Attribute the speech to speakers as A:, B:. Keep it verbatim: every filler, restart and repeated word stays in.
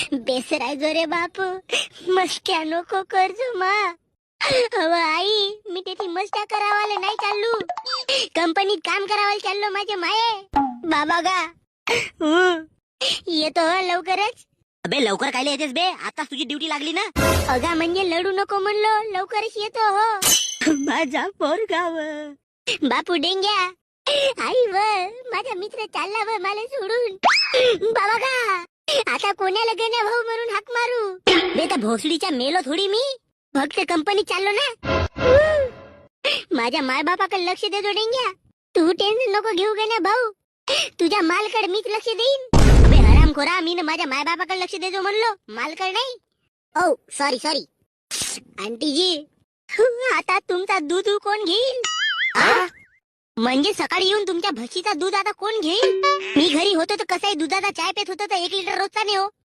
A: बेसराय जो रे बापू मस्त्या नको करजो मा. अव आई मी तेथी मस्त्या करावाले नाही चाललो, कंपनीत काम करावाले चाललो माझे माये. बाबा गा हं. येतो हो लवकरच.
B: अबे लवकर कायले येतेस बे, आता तुझी ड्युटी लागली ना.
A: अगा म्हणजे लढू नको म्हणलो, लवकरच येतो हो.
B: माझा पोरगाव.
A: बापू डेंग्या आई व माझा मित्र चालला व मला सोडून. बाबा का आता कोणाला गण्या भाऊ म्हणून हाक मारू. बेटा भोसडीच्या मेलो थोडी मी, फक्त कंपनी चाललो ना. माझ्या माय बापाकडे लक्ष देतो डेंग्या, तू टेन्शन नको घेऊ गण्या भाऊ, तुझ्या मालकडे मीच लक्ष देईन. अबे हराम खोरा, मी ना माझ्या माय बापाकडे लक्ष देतो म्हणलो, मालकडे नाही. ओ सॉरी सॉरी आंटी जी. आता तुमचा दूध कोण घेईल? आ? म्हणजे सकाळी येऊन तुमच्या म्हशीचा दूध आता कोण घेईल? मी घरी होतो तर कसंही दुधाचा चाय पेत होतो तर एक लिटर रोजचा नाही हो.